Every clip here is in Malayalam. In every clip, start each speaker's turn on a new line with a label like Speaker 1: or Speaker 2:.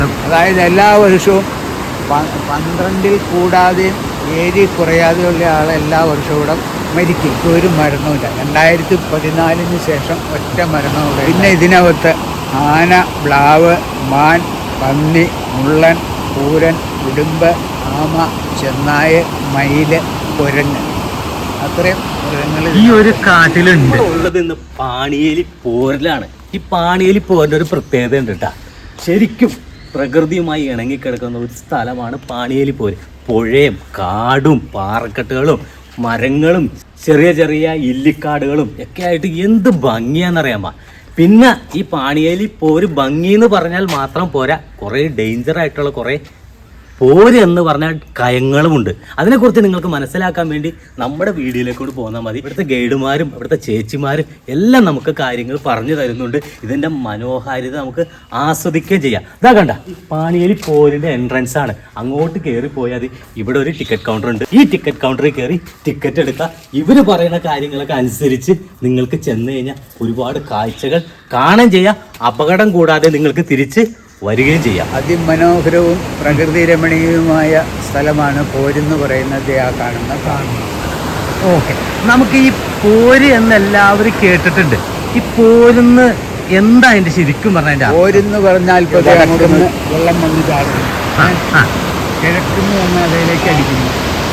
Speaker 1: അതായത് എല്ലാ വർഷവും 12 കൂടാതെയും 7 കുറയാതെയുള്ള ആൾ എല്ലാ വർഷവും ഇവിടെ മരിക്കും. ഒരു മരണമില്ല. 2014 ശേഷം ഒറ്റ മരണമില്ല. പിന്നെ ഇതിനകത്ത് ആന, പ്ലാവ്, മാൻ, പന്നി, മുള്ളൻ, പൂരൻ, ഉടുമ്പ്, ആമ, ചെന്നായ, മയില്, കുരങ്ങ്, അത്രയും മൃഗങ്ങൾ
Speaker 2: ഈ ഒരു കാട്ടിലുണ്ട്. ഉള്ളത് ഇന്ന് പാണിയേലി പോരിലാണ്. ഈ പാണിയേലി പോരിൻ്റെ ഒരു പ്രത്യേകത ഉണ്ട് കേട്ടാ. ശരിക്കും പ്രകൃതിയുമായി ഇണങ്ങിക്കിടക്കുന്ന ഒരു സ്ഥലമാണ് പാണിയേലി പോര്. പുഴയും കാടും പാറക്കെട്ടുകളും മരങ്ങളും ചെറിയ ചെറിയ ഇല്ലിക്കാടുകളും ഒക്കെ ആയിട്ട് എന്ത് ഭംഗിയാണെന്നറിയാമോ. പിന്നെ ഈ പാണിയേലി പോര് ഭംഗി എന്ന് പറഞ്ഞാൽ മാത്രം പോരാ, കുറേ ഡേഞ്ചർ ആയിട്ടുള്ള കുറേ പോര് എന്ന് പറഞ്ഞാൽ കയങ്ങളുമുണ്ട്. അതിനെക്കുറിച്ച് നിങ്ങൾക്ക് മനസ്സിലാക്കാൻ വേണ്ടി നമ്മുടെ വീഡിയോയിലേക്കൂടെ പോന്നാൽ മതി. ഇവിടുത്തെ ഗൈഡുമാരും ഇവിടുത്തെ ചേച്ചിമാരും എല്ലാം നമുക്ക് കാര്യങ്ങൾ പറഞ്ഞു തരുന്നുണ്ട്. ഇതിൻ്റെ മനോഹാരിത നമുക്ക് ആസ്വദിക്കുകയും ചെയ്യാം. ഇതാ കണ്ട, പാണിയേലി പോരിൻ്റെ എൻട്രൻസ് ആണ്. അങ്ങോട്ട് കയറിപ്പോയാൽ ഇവിടെ ഒരു ടിക്കറ്റ് കൗണ്ടർ ഉണ്ട്. ഈ ടിക്കറ്റ് കൗണ്ടറിൽ കയറി ടിക്കറ്റ് എടുക്കുക. ഇവർ പറയുന്ന കാര്യങ്ങളൊക്കെ അനുസരിച്ച് നിങ്ങൾക്ക് ചെന്ന് കഴിഞ്ഞാൽ ഒരുപാട് കാഴ്ചകൾ കാണുകയും ചെയ്യാം. അപകടം കൂടാതെ നിങ്ങൾക്ക് തിരിച്ച് വരികയും ചെയ്യാം.
Speaker 1: അതിമനോഹരവും പ്രകൃതി രമണീയവുമായ സ്ഥലമാണ് പോരെന്ന് പറയുന്നത്. ആ കാണുന്ന.
Speaker 2: ഓക്കെ, നമുക്ക് ഈ പോര് എന്നെല്ലാവരും കേട്ടിട്ടുണ്ട്. ഈ പോരെന്ന് എന്താ അതിന്റെ ശരിക്കും പറഞ്ഞ?
Speaker 1: പോരെന്ന് പറഞ്ഞാൽ വെള്ളം വന്ന് ചാടുന്നു. കിഴക്കുന്ന് വന്ന് അതിലേക്ക് അടിക്കുന്നു.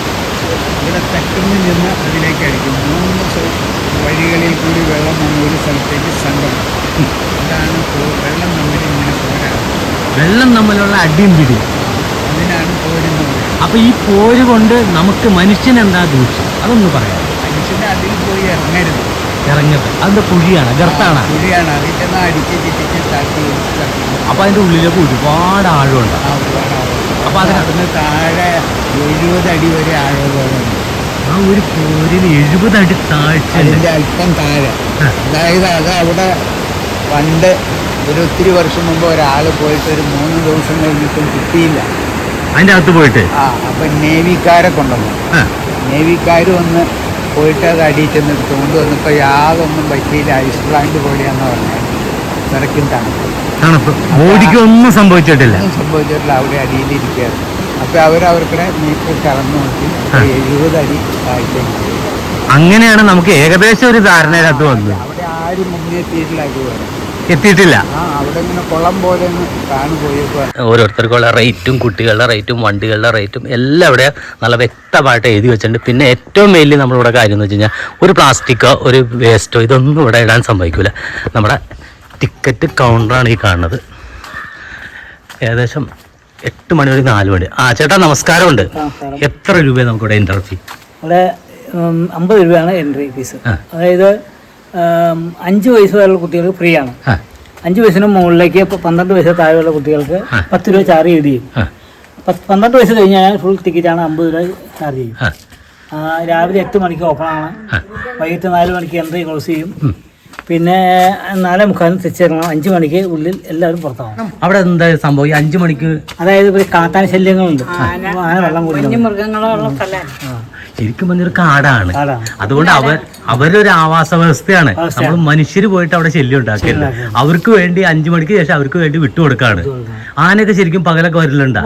Speaker 1: ഇവിടെ തെക്കുന്ന് നിന്ന് അതിലേക്ക് അടിക്കുന്നു. 3 വഴികളിൽ കൂടി വെള്ളം വന്ന ഒരു സ്ഥലത്തേക്ക് സംഗമം. അതാണ് വെള്ളം തമ്മിൽ ഇങ്ങനെ പോരാണ്.
Speaker 2: വെള്ളം തമ്മിലുള്ള അടിയും പിടിയും,
Speaker 1: അതിനാണ് പോരെന്ന് പറയുന്നത്.
Speaker 2: അപ്പൊ ഈ പോര് കൊണ്ട് നമുക്ക് മനുഷ്യനെന്താ ദൂഷ്യം? അതൊന്ന് പറയാം.
Speaker 1: മനുഷ്യന്റെ അതിൽ പോയി ഇറങ്ങരുത്.
Speaker 2: അതിന്റെ കുഴിയാണ്, ഗർത്താണ്.
Speaker 1: കുഴിയാണ്. അതിൽ ചെന്ന് അടിച്ച് ചിറ്റിച്ച് തട്ടി.
Speaker 2: അപ്പൊ അതിന്റെ ഉള്ളിലേക്ക് ഒരുപാട് ആഴമുണ്ട്.
Speaker 1: അപ്പൊ അതിനകത്ത് താഴെ 70 അടി വരെ ആഴമുണ്ട്.
Speaker 2: ആ ഒരു പോരിന് 70 അടി താഴ്ച.
Speaker 1: അതിന്റെ അല്പം താഴെ. അതായത് അത് അവിടെ പണ്ട് ഒത്തിരി വർഷം മുമ്പ് ഒരാൾ പോയിട്ട് ഒരു 3 ദിവസം കഴിഞ്ഞിട്ടും കിട്ടിയില്ല
Speaker 2: അതിൻ്റെ അകത്ത് പോയിട്ട്.
Speaker 1: അപ്പൊ നേവിക്കാരെ കൊണ്ടുവന്നു. നേവിക്കാർ വന്ന് പോയിട്ട് അത് അടിയിൽ ചെന്ന് എടുത്തുകൊണ്ട് വന്നപ്പോൾ യാതൊന്നും പറ്റിയില്ല. ഐസ് പ്ലാന്റ് പോലെയാന്ന് പറഞ്ഞാൽ നിറയ്ക്കും
Speaker 2: തണുപ്പ്. ബോഡിക്കൊന്നും സംഭവിച്ചിട്ടില്ല.
Speaker 1: അവിടെ അടിയിലിരിക്കുകയാണ്. അപ്പോൾ അവരവർക്കിടെ നീക്കി കറന്നു നോക്കി 70 അടി താഴ്ച.
Speaker 2: അങ്ങനെയാണ് നമുക്ക് ഏകദേശം ഒരു ധാരണയിലകത്ത് വന്നത്.
Speaker 1: അവിടെ ആരും മുന്നേറ്റിയിട്ടില്ല.
Speaker 2: എത്തിയിട്ടില്ല.
Speaker 1: അവിടെ ഇങ്ങനെ കുളം പോലെ കാണുപോയേക്കുവാണ്.
Speaker 2: ഓരോരുത്തർക്കുള്ള റേറ്റും കുട്ടികളുടെ റേറ്റും വണ്ടികളുടെ റേറ്റും എല്ലാം ഇവിടെ നല്ല വ്യക്തമായിട്ട് എഴുതി വെച്ചിട്ടുണ്ട്. പിന്നെ ഏറ്റവും വലിയ നമ്മളിവിടെ കാര്യം എന്ന് വെച്ച് കഴിഞ്ഞാൽ ഒരു പ്ലാസ്റ്റിക്കോ ഒരു വേസ്റ്റോ ഇതൊന്നും ഇവിടെ ഇടാൻ സംഭവിക്കില്ല. നമ്മുടെ ടിക്കറ്റ് കൗണ്ടറാണ് ഈ കാണുന്നത്. ഏകദേശം 8 മണി വരെ 4 മണി. ചേട്ടാ നമസ്കാരമുണ്ട്. എത്ര രൂപയാണ് നമുക്കിവിടെ എൻട്രി ഫീ?
Speaker 3: ഇവിടെ 50 രൂപയാണ് എൻട്രി ഫീസ്. അതായത് 5 വയസ്സ് വരെയുള്ള കുട്ടികൾക്ക് ഫ്രീ ആണ്. 5 വയസ്സിന് മുകളിലേക്ക് 12 വയസ്സ് താഴെയുള്ള കുട്ടികൾക്ക് 10 രൂപ ചാർജ് ചെയ്യും. 12 വയസ്സ് കഴിഞ്ഞാൽ ഫുൾ ടിക്കറ്റാണ് 50 രൂപ ചാർജ് ചെയ്യും. രാവിലെ 8 മണിക്ക് ഓപ്പൺ ആണ്. വൈകിട്ട് 4 മണിക്ക് എൻട്രി ക്ലോസ് ചെയ്യും. പിന്നെ 4:45 തിരിച്ചിറങ്ങണം. 5 മണിക്ക് ഉള്ളിൽ എല്ലാവരും പുറത്താവണം.
Speaker 2: അവിടെ എന്താ സംഭവം? 5 മണിക്ക്
Speaker 3: അതായത് കാട്ടാന ശല്യങ്ങളുണ്ട്. ആന വെള്ളം കുടിക്കും. മൃഗങ്ങളുള്ള സ്ഥലമാണ്.
Speaker 2: ശരിക്കും പറഞ്ഞൊരു കാടാണ്. അതുകൊണ്ട് അവരൊരു ആവാസ വ്യവസ്ഥയാണ്. നമ്മൾ മനുഷ്യര് പോയിട്ട് അവിടെ ശല്യം ഉണ്ടാക്കില്ല. അവർക്ക് വേണ്ടി 5 മണിക്ക് ശേഷം അവർക്ക് വേണ്ടി വിട്ടുകൊടുക്കാണ്. ആനയൊക്കെ ശരിക്കും പകലൊക്കെ വരലുണ്ടാ?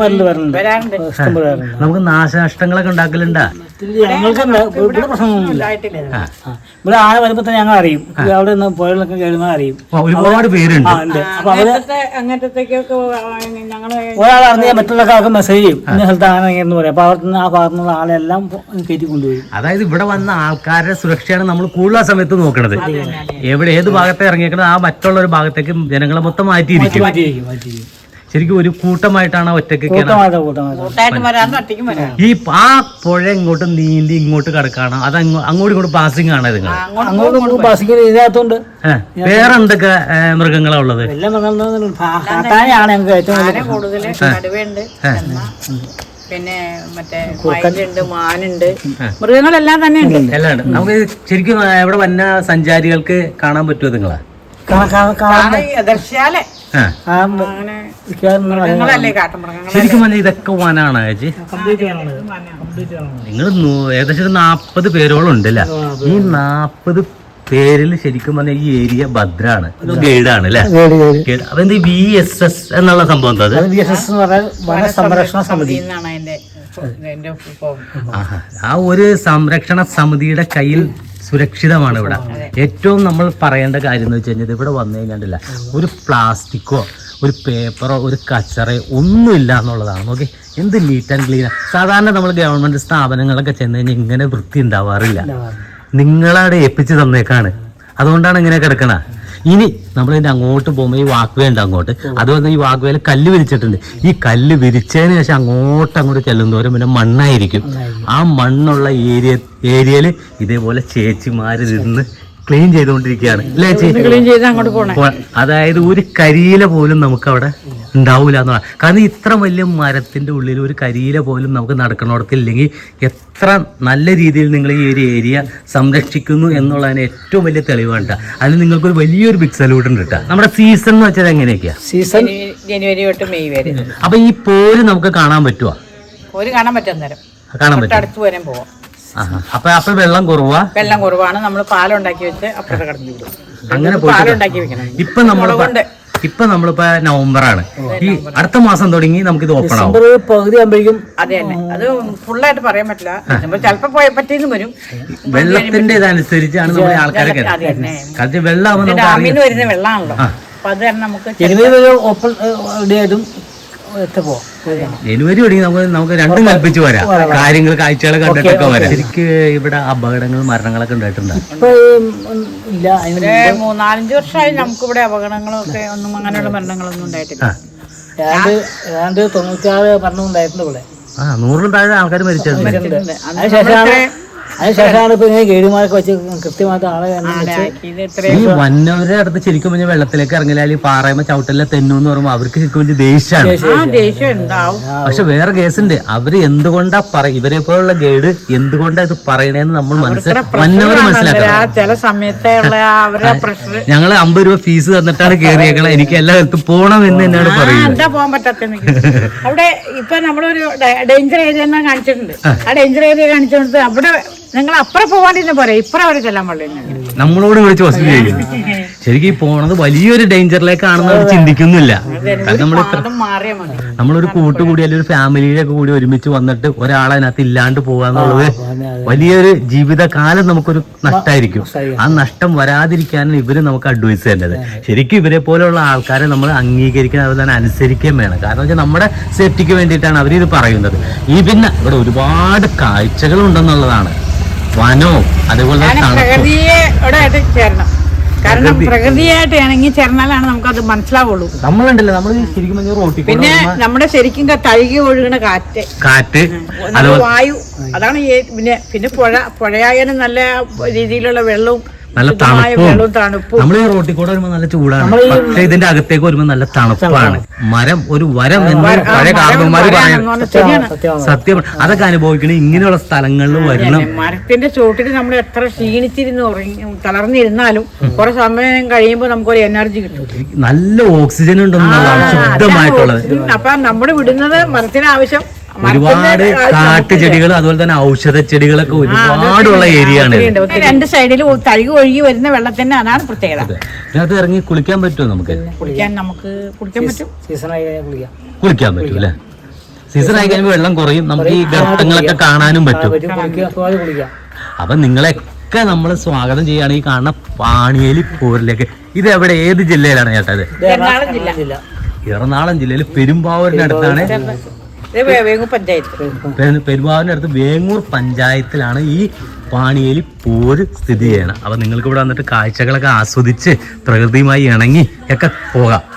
Speaker 2: നമുക്ക് നാശനഷ്ടങ്ങളൊക്കെ ഉണ്ടാക്കലുണ്ടാ?
Speaker 3: ഇവിടെ പ്രശ്നമൊന്നുമില്ല. ഇവിടെ ആന വരുമ്പോ തന്നെ ഞങ്ങൾ അറിയും. അവിടെ നിന്ന് പുഴകളൊക്കെ കയറുന്ന അറിയും.
Speaker 2: ഒരുപാട് പേരുണ്ട്.
Speaker 3: ഒരാൾ അറിഞ്ഞാൽ മറ്റുള്ള ആൾക്ക് മെസ്സേജ് ചെയ്യും. ഇന്ന സ്ഥലത്ത് ആന എന്ന് പറയും. അപ്പൊ അവിടെ നിന്ന് ആ ഭാഗത്തുനിന്നുള്ള ആളെല്ലാം കയറ്റി കൊണ്ടുപോയി.
Speaker 2: അതായത് ഇവിടെ വന്ന ആൾക്കാരുടെ സുരക്ഷയാണ് നമ്മൾ കൂടുതൽ സമയത്ത് നോക്കണത്. ഏത് ഭാഗത്തെ ഇറങ്ങിയേക്കണത് ആ മറ്റുള്ള ഒരു ഭാഗത്തേക്ക് ജനങ്ങളെ മൊത്തം മാറ്റിയിരിക്കും. ശരിക്കും ഒരു കൂട്ടമായിട്ടാണ് ഒറ്റയ്ക്ക് ഈ ആ പുഴ ഇങ്ങോട്ട് നീന്തി ഇങ്ങോട്ട് കിടക്കാണ്. അത് അങ്ങോട്ടും ഇങ്ങോട്ട് പാസിംഗ് ആണ്. വേറെ എന്തൊക്കെ മൃഗങ്ങളാ ഉള്ളത്?
Speaker 4: പിന്നെ മറ്റേ മയിലുണ്ട്, മാനുണ്ട്, മൃഗങ്ങളെല്ലാം തന്നെ ഉണ്ട്.
Speaker 2: എല്ലാം ഉണ്ട്. നമുക്ക് ശരിക്കും ഇവിടെ വന്ന സഞ്ചാരികൾക്ക് കാണാൻ പറ്റുമോ നിങ്ങളെ?
Speaker 4: ദർശാലേ
Speaker 2: ശരിക്കും പറഞ്ഞാൽ ഇതൊക്കെ വനാണ് ചേച്ചി. നിങ്ങൾ ഏകദേശം 40 പേരോളം ഉണ്ടല്ലേ? ഈ 40 പേരിൽ ശരിക്കും പറഞ്ഞാൽ ഈ ഏരിയ ഭദ്രാണ്, ഇത് ഗൈഡാണ് അല്ലേ? ഗൈഡ്. അപ്പൊ എന്ത് VSS എന്നുള്ള സംഭവം എന്താ?
Speaker 3: അത് VSS എന്ന് പറഞ്ഞാൽ വന സംരക്ഷണ സമിതി
Speaker 4: എന്നാണ് എന്റെ
Speaker 2: ആഹാ. ആ ഒരു സംരക്ഷണ സമിതിയുടെ കയ്യിൽ സുരക്ഷിതമാണ് ഇവിടെ. ഏറ്റവും നമ്മൾ പറയേണ്ട കാര്യം എന്ന് വെച്ച് കഴിഞ്ഞാൽ ഇവിടെ വന്നു കഴിഞ്ഞാൽ ഒരു പ്ലാസ്റ്റിക്കോ ഒരു പേപ്പറോ ഒരു കച്ചറയോ ഒന്നുമില്ല എന്നുള്ളതാണ്. നോക്കി എന്ത് നീറ്റ് ആൻഡ് ക്ലീൻ. സാധാരണ നമ്മൾ ഗവൺമെന്റ് സ്ഥാപനങ്ങളൊക്കെ ചെന്ന് കഴിഞ്ഞാൽ ഇങ്ങനെ വൃത്തി ഉണ്ടാവാറില്ല. നിങ്ങളവിടെ ഏൽപ്പിച്ച് തന്നേക്കാണ്, അതുകൊണ്ടാണ് ഇങ്ങനെ കിടക്കണ. ഇനി നമ്മളിതിന്റെ അങ്ങോട്ട് പോകുമ്പോൾ ഈ വാക്ക് വേ ഉണ്ട് അങ്ങോട്ട്, അതുപോലെ ഈ വാക്ക് വേയിൽ കല്ല് വിരിച്ചിട്ടുണ്ട്. ഈ കല്ല് വിരിച്ചതിന് ശേഷം അങ്ങോട്ട് ചെല്ലുന്നവരും പിന്നെ മണ്ണായിരിക്കും. ആ മണ്ണുള്ള ഏരിയയിൽ ഇതേപോലെ ചേച്ചിമാര് നിന്ന് ക്ലീൻ ചെയ്തുകൊണ്ടിരിക്കുകയാണ് അല്ലേ ചേച്ചി?
Speaker 4: ക്ലീൻ ചെയ്ത് അങ്ങോട്ട് പോകണം.
Speaker 2: അതായത് ഒരു കരിയില പോലും നമുക്ക് അവിടെ ഉണ്ടാവില്ല എന്നുള്ളത്. കാരണം ഇത്ര വലിയ മരത്തിന്റെ ഉള്ളിൽ ഒരു കരിയില പോലും നമുക്ക് നടക്കണോടത്തില്ലെങ്കിൽ എത്ര നല്ല രീതിയിൽ നിങ്ങൾ ഈ ഒരു ഏരിയ സംരക്ഷിക്കുന്നു എന്നുള്ളതിന് ഏറ്റവും വലിയ തെളിവാണ്. അതിന് നിങ്ങൾക്കൊരു വലിയൊരു ബിഗ് സല്യൂട്ട് ഉണ്ട് കേട്ടോ. നമ്മുടെ സീസൺ എന്ന് വെച്ചാൽ എങ്ങനെയൊക്കെയാ?
Speaker 3: സീസൺ
Speaker 4: ജനുവരി തൊട്ട് മെയ് വരെ.
Speaker 2: അപ്പൊ ഈ പോര് നമുക്ക് കാണാൻ പറ്റുമോ?
Speaker 4: ഒരു കാണാൻ പറ്റും, നേരം
Speaker 2: കാണാൻ പറ്റും.
Speaker 4: അടുത്ത് വരെ പോവാം.
Speaker 2: അപ്പൊ വെള്ളം കുറവാ?
Speaker 4: വെള്ളം കുറവാണ്. നമ്മൾ പാലം ഉണ്ടാക്കി വെച്ച് അപ്പുറത്തെ കടന്നു വിടും.
Speaker 2: അങ്ങനെ
Speaker 4: പാലം ഉണ്ടാക്കി വെക്കണം.
Speaker 2: ഇപ്പൊ നമ്മളിപ്പോ നവംബറാണ്. ഈ അടുത്ത മാസം തുടങ്ങി നമുക്കിത് ഓപ്പൺ ആവും.
Speaker 3: പകുതി ആകുമ്പോഴേക്കും
Speaker 4: അതെ തന്നെ. അത് ഫുള്ളായിട്ട് പറയാൻ പറ്റില്ല. നമ്മൾ ചിലപ്പോ പറ്റിയെന്ന് വരും.
Speaker 2: വെള്ളത്തിന്റെ ഇതനുസരിച്ചാണ് നമ്മുടെ ആൾക്കാരെ കാരണം വെള്ളം
Speaker 4: ഡാമിന്ന് വരുന്ന വെള്ളമാണല്ലോ. അപ്പൊ അത് തന്നെ നമുക്ക്
Speaker 3: ഓപ്പൺ ഡേ ആയിട്ടും
Speaker 2: ജനുവരി തുടങ്ങി നമുക്ക് രണ്ടും കൽപ്പിച്ച് വരാം. കാര്യങ്ങൾ കാഴ്ചകൾ കണ്ടിട്ടൊക്കെ വരാം. ശരിക്ക് ഇവിടെ അപകടങ്ങളും മരണങ്ങളൊക്കെ ഉണ്ടായിട്ടുണ്ട്.
Speaker 3: ഇല്ല,
Speaker 4: 3-4 വർഷമായി നമുക്കിവിടെ അപകടങ്ങളും ഒക്കെ ഒന്നും അങ്ങനെയുള്ള മരണങ്ങളൊന്നും ഉണ്ടായിട്ടില്ല.
Speaker 3: ഏതാണ്ട് 96 മരണം ഉണ്ടായിട്ടുണ്ട് ഇവിടെ.
Speaker 2: 100 താഴെ ആൾക്കാർ മരിച്ചിട്ടുണ്ട്.
Speaker 3: അതിനുശേഷമാണ് ഇപ്പൊ ഇങ്ങനെ ഗൈഡുമാരൊക്കെ വെച്ച് കൃത്യമായിട്ട് ആളെ
Speaker 2: ഈ വന്നവരുടെ അടുത്ത് ശരിക്കും പറഞ്ഞാൽ വെള്ളത്തിലേക്ക് ഇറങ്ങിയാൽ പാറയുമ്പോ ചവിട്ടല്ല തെന്നു പറയുമ്പോ അവർക്ക് ശരിക്കും വലിയ ദേഷ്യമാണ്. പക്ഷെ വേറെ കേസുണ്ട്. അവര് എന്തുകൊണ്ടാ ഇവരെ പോലുള്ള ഗൈഡ് എന്തുകൊണ്ടാ ഇത് പറയണേന്ന് നമ്മൾ വന്നവര് മനസ്സിലാക്കണം.
Speaker 4: ചില സമയത്തെ
Speaker 2: ഞങ്ങള് 50 രൂപ ഫീസ് തന്നിട്ടാണ് കയറിയേക്കണം. എനിക്ക് എല്ലാ സ്ഥലത്തും പോണം എന്ന് തന്നെയാണ് പറയുന്നത്.
Speaker 4: എന്താ പോകാൻ പറ്റാത്ത അവിടെ ഇപ്പൊ നമ്മളൊരു ഡേഞ്ചർ ഏരിയ കാണിച്ചിട്ടുണ്ട്. ആ ഡേഞ്ചർ ഏരിയ കാണിച്ചിട്ടുണ്ട്. അവിടെ നിങ്ങൾ അപ്പുറം പോകാണ്ടിരുന്ന പോരെ, ഇപ്പുറം അവരെ ചെല്ലാൻ പാടില്ല.
Speaker 2: നമ്മളോട് വിളിച്ച് ഹോസ്പിറ്റൽ ചെയ്യുന്നു. ശരിക്കും ഈ പോണത് വലിയൊരു ഡേഞ്ചറിലേക്കാണെന്ന് അവർ ചിന്തിക്കുന്നില്ല. നമ്മളൊരു കൂട്ടുകൂടി അല്ലെങ്കിൽ ഒരു ഫാമിലിയിലൊക്കെ കൂടി ഒരുമിച്ച് വന്നിട്ട് ഒരാളതിനകത്ത് ഇല്ലാണ്ട് പോകാന്നുള്ളത് വലിയൊരു ജീവിതകാലം നമുക്കൊരു നഷ്ടമായിരിക്കും. ആ നഷ്ടം വരാതിരിക്കാനാണ് ഇവര് നമുക്ക് അഡ്വൈസ് ചെയ്യേണ്ടത്. ശരിക്കും ഇവരെ പോലെയുള്ള ആൾക്കാരെ നമ്മൾ അംഗീകരിക്കാൻ അവർ തന്നെ അനുസരിക്കുകയും വേണം. കാരണം വെച്ചാൽ നമ്മുടെ സേഫ്റ്റിക്ക് വേണ്ടിയിട്ടാണ് അവരിത് പറയുന്നത്. ഈ പിന്നെ ഇവിടെ ഒരുപാട് കാഴ്ചകൾ ഉണ്ടെന്നുള്ളതാണ്. വനവും അതേപോലെ
Speaker 4: പ്രകൃതിയോടായിട്ട് ചേരണം. കാരണം പ്രകൃതിയായിട്ട് ഇണങ്ങി ചേർന്നാലാണ് നമുക്കത് മനസ്സിലാവുള്ളൂ.
Speaker 2: നമ്മളുണ്ടല്ലോ നമ്മൾ ശരിക്കും റോട്ടിൽ
Speaker 4: പിന്നെ നമ്മുടെ ശരിക്കും തഴുകി ഒഴുകുന്ന കാറ്റ് വായു, അതാണ് പിന്നെ പുഴയായാലും നല്ല രീതിയിലുള്ള വെള്ളവും
Speaker 2: നല്ല തണുപ്പും. നമ്മൾ ഈ റോട്ടിൽ കൂടെ വരുമ്പോ നല്ല ചൂടാണ്. പക്ഷെ ഇതിന്റെ അകത്തേക്ക് വരുമ്പോ നല്ല തണുപ്പാണ്. മരം ഒരു വരം എന്ന് പഴയ കാർന്നവന്മാര് പറയുന്നത് സത്യമാണ്. അതൊക്കെ അനുഭവിക്കണേ ഇങ്ങനെയുള്ള സ്ഥലങ്ങളിൽ വരണം.
Speaker 4: മരത്തിന്റെ ചോട്ടിൽ നമ്മൾ എത്ര ക്ഷീണിച്ചിരുന്ന് തളർന്നിരുന്നാലും കുറെ സമയം കഴിയുമ്പോൾ നമുക്കൊരു എനർജി കിട്ടും.
Speaker 2: നല്ല ഓക്സിജൻ ഉണ്ടെന്നുള്ളതാണ് ശുദ്ധമായിട്ടുള്ളത്.
Speaker 4: അപ്പൊ നമ്മൾ വിടുന്നത് മരത്തിന് ആവശ്യം
Speaker 2: ഒരുപാട് കാട്ടുചെടികൾ അതുപോലെ തന്നെ ഔഷധ ചെടികളൊക്കെ ഒരുപാടുള്ള ഏരിയ ആണ്.
Speaker 4: 2 സൈഡിലും തഴുകി ഒഴുകി വരുന്ന വെള്ളത്തിന്റെ അതാണ് പ്രത്യേകത.
Speaker 2: ഇതിനകത്ത് ഇറങ്ങി കുളിക്കാൻ പറ്റുമോ? നമുക്ക്
Speaker 4: കുളിക്കാൻ പറ്റും.
Speaker 2: കുളിക്കാൻ പറ്റും അല്ലെ? സീസൺ ആയി കഴിയുമ്പോൾ വെള്ളം കുറയും. നമുക്ക് ഈ ഗർത്തങ്ങളൊക്കെ കാണാനും പറ്റും. അപ്പൊ നിങ്ങളെയൊക്കെ നമ്മൾ സ്വാഗതം ചെയ്യുകയാണ് ഈ കാണുന്ന പാണിയേലി പോരിലേക്ക്. ഇത് എവിടെ, ഏത് ജില്ലയിലാണ് ചേട്ടാ? ഇത് എറണാകുളം ജില്ലയിൽ പെരുമ്പാവൂരിന്റെ അടുത്താണ്. പെരുമ്പാവൂരിന്റെ അടുത്ത് വേങ്ങൂർ പഞ്ചായത്തിലാണ് ഈ പാണിയേലി പോര് സ്ഥിതി ചെയ്യണം. അപ്പൊ നിങ്ങൾക്ക് ഇവിടെ വന്നിട്ട് കാഴ്ചകളൊക്കെ ആസ്വദിച്ച് പ്രകൃതിയുമായി ഇണങ്ങി ഒക്കെ പോകാം.